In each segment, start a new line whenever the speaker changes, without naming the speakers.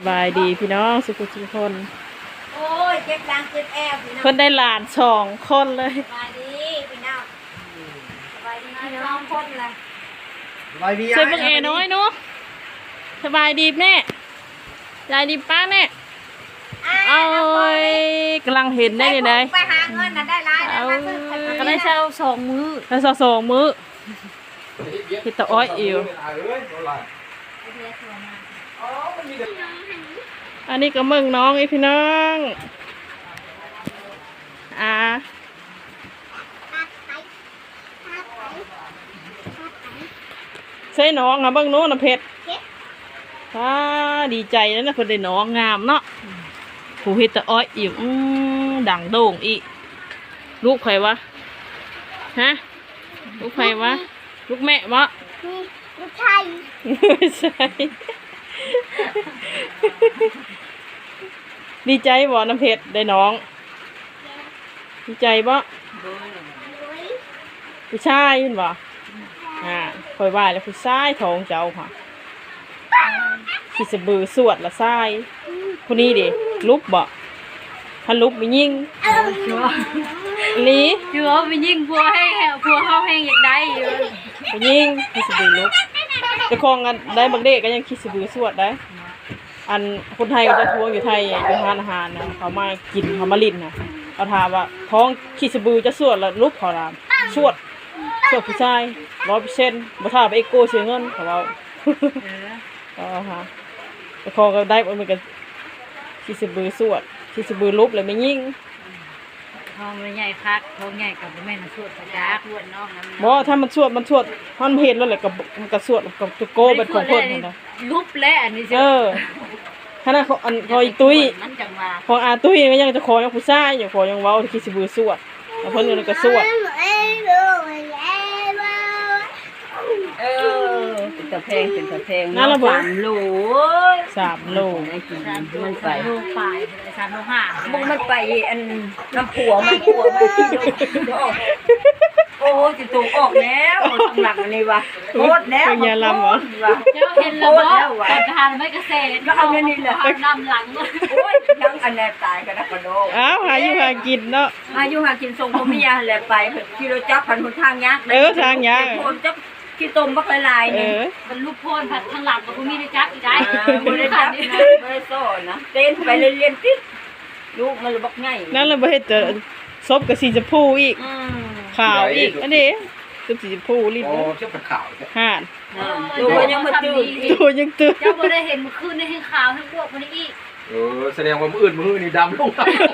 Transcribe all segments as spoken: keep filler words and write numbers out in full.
บายดีพี่น้องสุขุทุกคน
โอ้ยเจ็บดังเจ็บแอบพี่น้อง
เพิ่นได้หลานสองคนเลย
สบายดีพี่น้องสบายดีพี่น้องคนเลย
สบายดี
ช่วยเบิ่งเอน้อยเนาะสบายดีแม่ยายดีป้าแม่เอากำลังเห็นได้เลยนะ
ไปหาเงินน่ะได้ร้ายนะมาซื้อขนม
ก็ได้เช่าสองมื้อได้เช่าสองมื้อเฮ็ดตะอ้อยอิวอันนี้ก็เมืองน้องอีพี่น้องอ่าใช่น้องอ่ะเบิ่งโน้นน่ะเพชรอ่าดีใจแล้วนะเพิ่นได้น้องงามเนาะผู้เฮ็ดตะอ้อยอิวอือดังโด่งอีลูกใครวะฮะลูกใครวะลูกแม่วะ
ลูกชาย
ไม่ใช่ดีใจบ่น้ำเพชรได้น้องดีใจบ่ผู้ชายเห็นบ่อ่าคอยว่าแล้วผู้ชายท้องเจ้าค่ะขี้สะบือสวดละชายผู้นี้ดิลุกบ่ถ้าลุกไปยิงลี
เชื่อไปยิงพัวให้พัวเข้าแห้งอยากได้อยู่
ไปยิงขี้สะบือลุกจะคลองกันได้บางเด็กก็ยังขี้สะบือสวดได้อันคนไทยก็จะทวงอยู่ไทยอยู่ทานอาหารนะเขามากินเขามาลิ้นนะเขาถามว่าท้องขี้สะบือจะสวดแล้วลุกเขาถามสวดสวดผู้ชายร้อยเปอร์เซ็นต์บ่ท่าไปเอ็กโก้เสียเงินเขาเอาอ๋อฮะแต่คลองก็ได้เหมือนกันขี้สะบือสวดขี้สะบือลุกเลยไม่ยิง
ท้องมันใหญ่คักท้องใหญ่กับแม่นสวดประจักษ์สวดน้องนั้น
บ่ถ้ามันสวดมันสวดมันเห็นแล้วแหละกับมันก็สวดกับตะโกเป็นของเพิ่นนั่นน่ะ
ลุบและอันนี้
เออขณะของอันคอยตุ้ย
มันจังว่า
ของอาตุ้ยก็ยังจะขอยังผู้ชายอยู่ขอยังเว้าที่คิดสิบือสวดแล้วเพิ่นก็ก็สวด
เออเป็นตะเพงเป็นตะเพงสามโล
สามโล
มันไปโลปลายสามโลห้า
มึงมันไปอันน้ำผัวมันผัวมันที่ดูโอ้จิตตกออกแล้วตำหลังอันนี้วะโคตรแล้ว
เป็นยาลำเหรอ
เจ้าเห็นแล้วบ่ตอนทานไม่กระเซ็นก็เอาเนี่ยนี่แหละนำหลัง
โอ้ยยังอันแรกตายกันนะกระโดด
อ้าวหาอยู่หากินเนาะ
อายุหากินทรงพ่อเมียแหละไปกิโลจับพันหนทางยักษ์คนจับที่ต้มบักลายๆ
เอ
นี่
อ
มันลูกโพนผัดทางหลังกับคุณมีได้จักอีกได้
ไม่ได้จับนะไม่ได้โซ่นะเต้นไปเรียนติดลูกมันเลยบอกง่าย
นั่นเลยบ่เฮ็ดจะซบกับสีชมพูอีก
อืม
ขาวอีกอันนี้คือสีชมพูรีบ
โอ้เชื่อเป็นข่าว
ห่าน
ลูกมันยังมาตื่น
ตัวยังตื่น
เจ้าบ่ได้เห็นเมื่อคืนในให้ขาวทั้งพวกมันอีก
เออแสดงว่ามืออื่นมือนี่ดำลง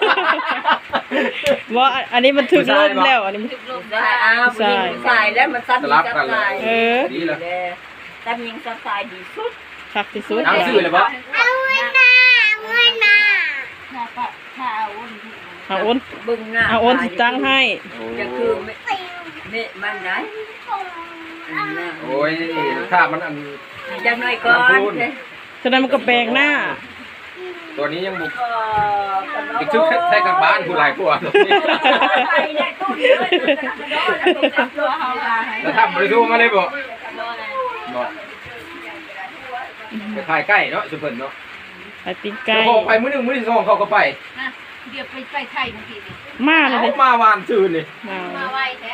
ว่าอันนี้มันถึกลมแล้วอันนี้มัน
ถึกลม
ได้อ้าวผู้หญิงสายแล้วมันซับยิงซับสาย
เออ
ดีเลย
ซับยิงซับสายดีสุด
คักที่สุด
น้ำซื่อเลยปะ
เอาไว้นะเอาไว้นะถ้าปะถ้าเอาอ้น
เอาอ้น
บึงหน้า
เอาอ้นสิตั้งให้
จะคือไม่ไม่มันได้
โอ้ยถ้ามันอัน
จังหน่อยก่อน
ฉะนั้นมันก็แปลงหน้า
ตัวนี้ยังบุกอีกชุดแค่กับบ้านผู้หลายกว่าแล้วทำบริษัทมาเลยบ่บ่ไปถ่ายใกล้เนาะสุพรรณเนาะ
ไปปิ้งไก่
พอไปมื้อหนึ่งมื้อที่สองเขาก็ไป
นะเดี๋ยวไปไปไทยบางทีนี่
มาเลย
เขา
เด้
มาวานซื่นนี่
มา
มาไวแท้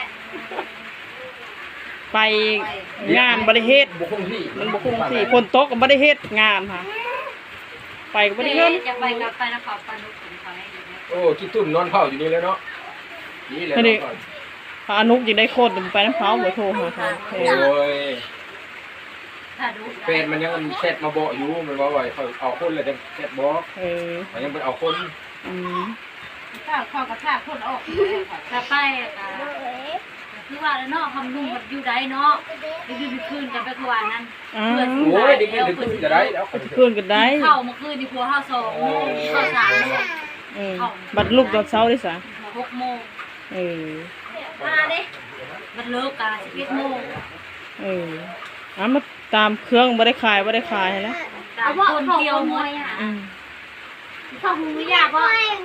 ไปงานบริเฮ็ด
บุคคลที่
มันบ่คงที่ฝนตกก็บ่ได้เฮ็ดงานค่ะไปก็บ่ได้เงิน
จะไปกับไปนะขอปนุกถึงเขาให้ดูนะ
โอ้คิดตุ่นนอนเผาอยู่นี่แล้วเนาะนี่แหละ
พาอนุกยังได้โคตรไปน้ำเขาบ่โทรหาเขา
โอ้ย
ถ้าดู
เฟนมันยังแชทมาบอกอยู่มันว่าว่าเขาเอาคนเลยจะแชทบอก
เออ
มันยังไปเอาคน
อืม
ถ้าข้าวกับถ้าคนออกถ้าไปอ่ะคือว่าแล้วเนาะคำนุ่งมันอยู่ได้เนาะไปยืนคืนกันไปกว่านั้น
อ้า
โอ้ยดิมันถึงจะได้แล้ว
วคืนก็ได้
เข้าเมื่อคืนนี่พัวห้าสองโมงเข้าสามโมง
เออบัดลูกตอนเช้าได้ซะ
หกโมง
เออ
มาเด้มันเลิกกันสิบเอ็ดโมง
เอออ่ะมาตามเครื่องบ่ได้ขายบ่ได้ขายแล้ว
เอาคนเดียวมวยอ่ะ
อืม
ข้าวหูยากว่า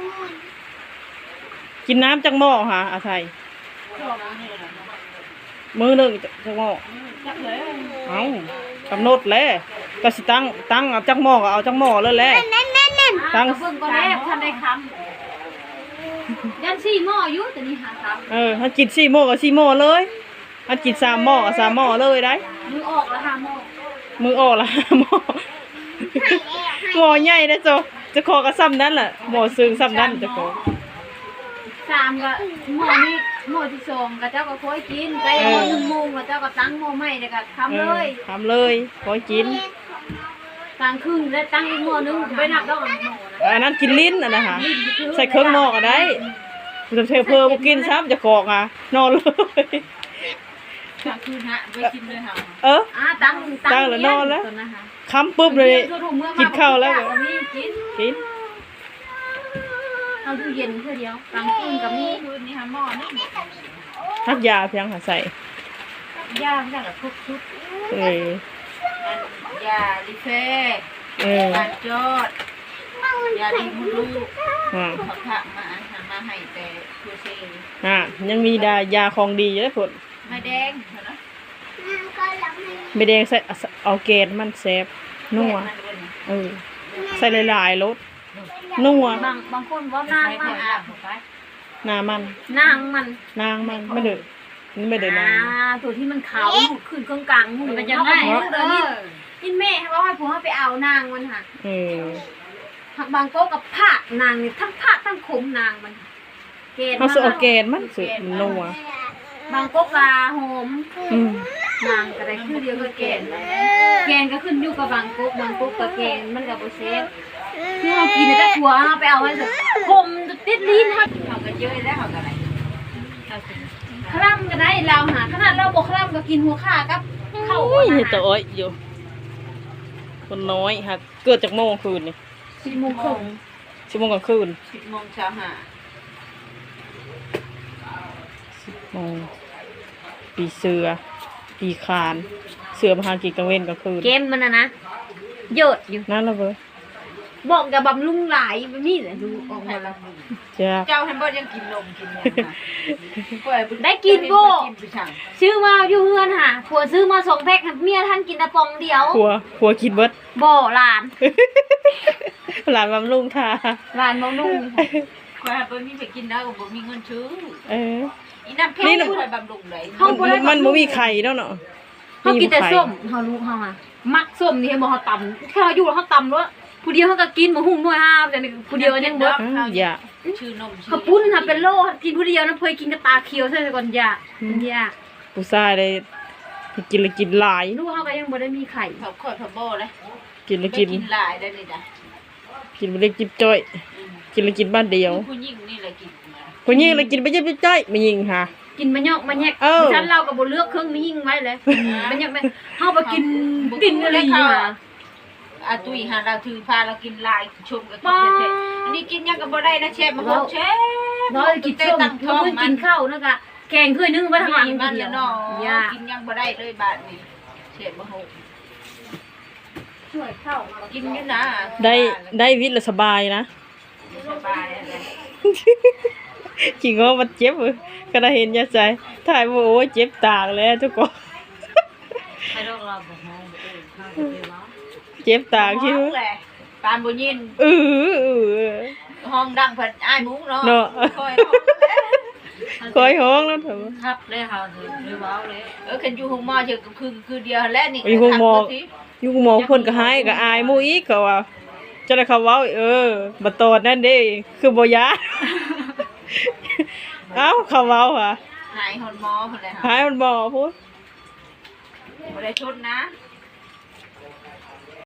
กินน้ำจักหม้อหาอาไทยมื้อหนึงจักหม้อเอ้ากำหนดแล้วก็สิตั้งตั้งเอาจักหม้อก็เอาจักหม้อเลยแหละ
ตั้งเบิ่งก็แลกทันได้คำยันสี่หม้ออยู่แต่นี่หาคำ
เออถ้ากินสี่หม้อก็สี่หม้อเลยถ้ากินสามหม้อก็สามหม้อเลยได้
มือออกแล้วหาหม้อ
มือออกละ หม้อหม้อใหญ่นะโจจะขอก็ซ้ำนั้นแหละหม้อซึ้งซ้ำนั้นจะขอ
สามก็หม้อนี้หม้อที่สองก็เจ้าก็ค่อยกินไปหม้อหนึ่งโมงก็เจ้าก็ตั้งหม้อใหม่แล้วก็ทำเลย
ทำเลยขอกิน
กลางคืนแล้วตั้งอีกหม้อนึงไปนับดอกอันหม้อนะ
อันนั้นกินลิ้นอันนะคะใส่เครื่องหม้อก็ได้จะเทเพอบ่กินซ้ำจะกอกอ่ะนอนเลย
กลางคืนฮะไปกินเลยค่ะ
เออ
อ่าตั้ง
ตั้งแล้วนอนแล้ว
ตนะคะ
คำปุ๊บเลย กินข้าวแล้ว
ก็มีกิน
กิน
เอาตู้เย็นเพื่อเดียวกลางคืนกับมีคืนนี่ค่ะหม้อนี่
ทักยาเพียงหาใส่
ย่างจากทุกชุด
เออย
าลิเฟ่
เออ
การจอดยาดีมุลู
อ่า
เขาทำมาทำมาให้แต่คือเซ
อ่ายังมีดายาของดีอยู่ได้ผล
ไม่แดงเหรอนะ
ไม่แดงใส่เอาเกนมันแซ่บนัวเออใส่หลายๆรสนัว
บางบางคนว่านางมัน
หน้ามัน
นางมัน
นางมันไม่เดือดนี่ไม่เดือดนาง
อ่าตัวที่มันขาวหมุดขึ้นกลางกลางหมุดมันจะได้เออนี่แม่เขาให้ผมให้ไปเอานางมันค่ะ
เออ
ผักบางโก้กับผักนางนี่ทั้งผักทั้งขมนางมันเกณฑ์
เขาใส่เอาเกนมันสุดนัว
บางโก้กาหอม
อืม
นางก็ได้คือเดียวกับเกณฑ์เกณฑ์ก็ขึ้นอยู่กับบางโก้บางโก้กับเกณฑ์มันกับโบเซฟคือเรากินแต่ถั่วเอาไปเอาไว้เถอะขมติดลิ้นฮะ
เขาก็เยอะแล้วเขาก็อะไร
คร่ำก็ได้เราหาขนาดเราบอกคร่ำก็กินหัวข่ากับข้าว
โอ้ย
อาหาร
ตัวอ้อยอยู่คนน้อยฮะเกิดจากโมงคืนนี่
สี่โมงครึ่ง
ชั่วโมงกลางคืน
สิบโมงเช้าหา
โมงปีเสือ ปีคาน เสือมาหากินกลางเว้นกลางคืน
เกมมันนะนะเยอะอยู่
นั่นละเว้ย
บอกกับบำรุงหลายแบบนี้แหละดูออกมาแล้ว
จ้า
เจ้าแฮมเบอร์ยังกินนมกินนมนะ
ได้กินโบ
กินไปช่าง
ซื้อมาอยู่เฮือนค่ะผัวซื้อมาสองแพ็คค่ะเมียท่านกินแต่ปองเดียว
ผัวผัวกินเบิด
บ่หลาน
หลานบำรุงทา
หลานบำรุงค่ะ
คอยเบอร์มีไปกินแล้วก็บ่มีเงินซื้อ
เออ
อีน้ำเพชรคอยบำรุงเลย
มันมันบ่มีไข่แล้วเนาะ
เขากินแต่ส้มเขารู้เขาอ่ะมักส้มนี่เห็นบอกเขาตำแค่เขาอยู่แล้วเขาตำแล้วผู้เดียวเขาก็กินหมูหุ่งหน่วยห้าแต่นี่ผู้เดียวยังเบิด
อ้าวอย่า
ชื่อนมชื่
เขาปุ้นค่ะเป็นโลกินผู้เดียวนะเพยกินกับตาเขียวใช่ก่อนยาอยา
ผู้ชายได้กินแล้วกินหลาย
ลูกเขาก็ยังบ่ได้มีไข่
เขาคอยพะโบเลย
กินแล้วกิน
กินหลายได้เลยนะ
กินบ่ได้กินจ้อย กินแล้วกินบ้านเดียว
ผู้หญิงนี่แหละกินมา
ผู้หญิงแล้วกินไปยิบจ้อยไม่ยิงค่ะ
กินมันยอกมันแยก
เออ
ฉันเราก็บ่เลือกเครื่องนี้ยิ่งไว้เลยมันยอกมันเฮาไปกินกินอะไรอยู่อ่ะ
อาตุยหาเราถือพาเรากินลายชมกับกินเผ็ดๆอันนี้กินยังก็บ่ได้นะเชฟมาโหเชฟ
น้อยกินส้ม
ตั้งท้อง
เพิ่น
มั
กิ
น
นข้าวนะกะแกงถ้วยนึงไว้ทางหลัง
มัน
เดีย
แล้ว วเนาะ
ยา
กินยังบ่ได้เลยบาดนี้เชฟมาโห
ช่วยข้าว
กินอยู่นะ
ได้ได้วิทย์แล้วสบายนะ
สบายอะไร
ขี้งอมันเจ็บเว้ยก็ได้เห็นยาใจถ่ายว่าโอ้ยเจ็บตากแล้วทุกคน
ใครโรคเราบ่ฮ้องบ่เอ้ยข้าวบ่ได้ว่า
เจ็บตากคิด
ห้อง
ว่า
แหละปานบ่ยิน
เออเออ
ห้องดังเพิ่นอ้ายมุ้งเนาะ
เนาะ
คอยห้องแล้ว
คอยห้องแล้วเถอะ
ครับเลยเฮาสิหรือว้าวเลย
เออคันอยู่ห้องหมอเจอก็คือคือเดียวแล้วนี่
อยู่ห้องหมอ อยู่หมอเพิ่นก็หายก็อายหมู่อีกก็ว่าจะได้เขาเว้าเออบ่ตอดนั่นเด้คือบ่ยา เอ้าเขาเว้าค่ะ
หายหอนหมอเพิ่นเลย
หายมันบ่พูด
บ่ได้ชดนะ